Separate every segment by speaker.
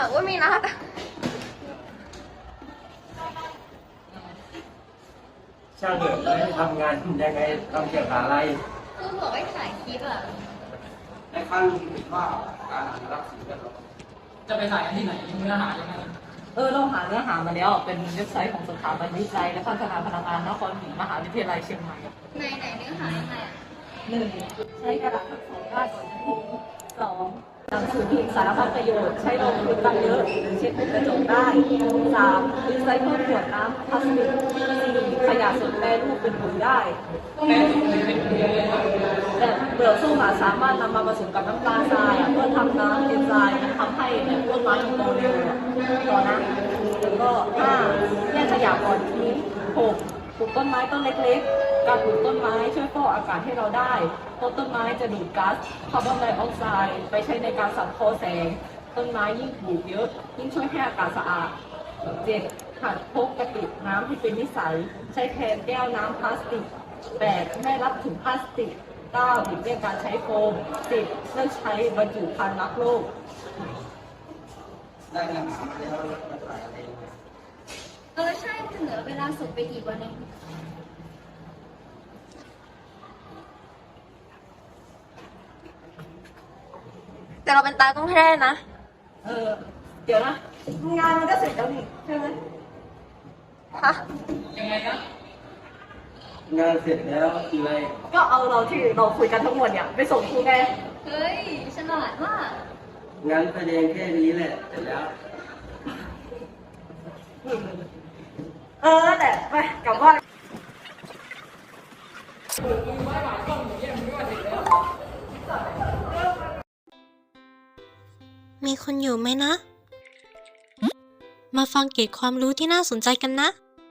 Speaker 1: ว่ามีนัด
Speaker 2: ช่างเถอะแล้วทำงานยังไงทำเกี่ยวกับอะไร
Speaker 1: คือบอกให้ถ่ายคลิปอ่ะ
Speaker 2: ในขั้นคิดว่าการอนุรักษ์สิ่งแวดล้อม
Speaker 3: จะไปถ่ายที่ไหนเนื้อหายังไง
Speaker 4: เราหาเนื้อหามาแล้วเป็นเว็บไซต์ของสถาบันวิจัยและพัฒนาพลังงานนครศรีมหาวิทยาลัยเชียงใหม่
Speaker 1: ไหนเนื้อหายังไงอ่ะ
Speaker 4: 1. ใช้กระดาษทั้งสองด้านก่อนจะพิมพ์ 2. หนังสือพิมพ์สารพัดประโยชน์ใช้รองพื้นกันเยอะหรือเช็ดกระจกได้ 3. รีไซเคิลขวดน้ำพลาสติก 4. ขยะสดแปรรูปเป็นปุ๋ยได้แต่เปลือกส้มสามารถนำมาผสมกับน้ำตาลทรายเพื่อทำน้ำเอนไซม์ทำให้ต้นไม้โตเร็วต่อนะแล้วก็ 5. แยกขยะก่อนทิ้ง 6. ปลูกต้นไม้ต้นเล็กๆการปลูกต้นไม้ช่วยฟอกอากาศให้เราได้เพราะต้นไม้จะดูดก๊าซคาร์บอนไดออกไซด์ไปใช้ในการสังเคราะห์แสงต้นไม้ยิ่งปลูกเยอะยิ่งช่วยให้อากาศสะอาด 7. หัดพกกระติกน้ำให้เป็นนิสัยใช้แทนแก้วน้ำพลาสติก 8. ไม่รับถุงพลาสติก 9. หลีกเลี่ยงการใช้โฟม 10. เลิกใช้บรรจุภัณฑ์รักโลก
Speaker 2: ได้งานหามาแล้วมาถ่ายอะไร
Speaker 1: ใช่จะเหลือเวลาสุดไปอีกวันนึงแต่เราเป็นตากล้องให้ได้นะ
Speaker 4: เดี๋ยวนะงานมันก็เสร็จแล้วนี่ใช่ไหม
Speaker 1: ฮะ
Speaker 3: ยังไงนะ
Speaker 2: งานเสร็จแล้วคืออะไร
Speaker 4: ก็เอาเราที่เราคุยกันทั้งหมดเนี่ยไปส่งครูไง
Speaker 1: เฮ้ยฉลาดมาก
Speaker 2: งั้นแสดงแค่นี้แหละเสร็จแล้ว
Speaker 4: แต่ไปกลับบ้าน
Speaker 5: มีคนอยู่ไหมนะ มาฟังเกร็ดความรู้ที่น่าสนใจกันนะ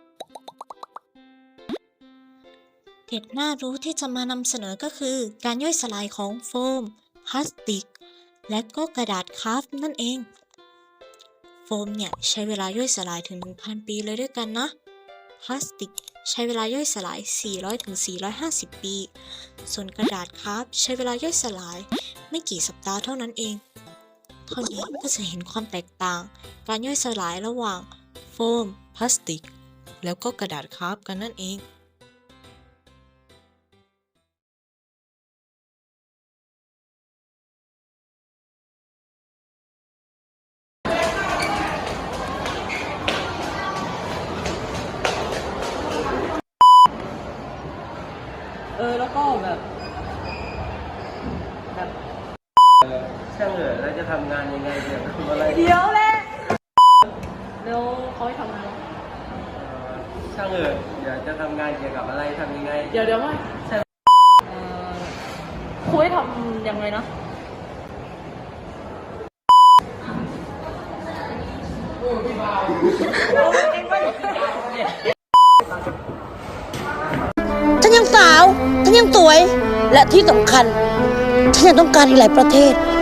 Speaker 5: เกร็ดน่ารู้ที่จะมานำเสนอก็คือการย่อยสลายของโฟม พลาสติก และก็กระดาษคราฟต์นั่นเอง โฟมเนี่ยใช้เวลาย่อยสลายถึง 1,000 ปีเลยด้วยกันนะ พลาสติกใช้เวลาย่อยสลาย 400-450 ปี ส่วนกระดาษคราฟต์ใช้เวลาย่อยสลายไม่กี่สัปดาห์เท่านั้นเองเท่านี้ก็จะเห็นความแตกต่างการย่อยสลายระหว่างโฟม พลาสติก แล้วก็กระดาษคราฟต์กันนั่นเอง
Speaker 4: แล้วก็แบบ
Speaker 2: ช่างเถอะแล้วจะทำงานยังไงเดี๋ยวทำอะไร
Speaker 4: เดี๋ยวแหละแล้วเขาให้ทำอะไร
Speaker 2: ช่างเถอะเดี๋ยวจะทำงานเกี่ยวกับอะไรทำยังไง
Speaker 4: เดี๋ยวไม่ใช่ครูให้ทำยังไงนะ
Speaker 6: ฉันยังสาว ฉันยังสวย และที่สำคัญ ฉันยังต้องการอีกหลายประเทศ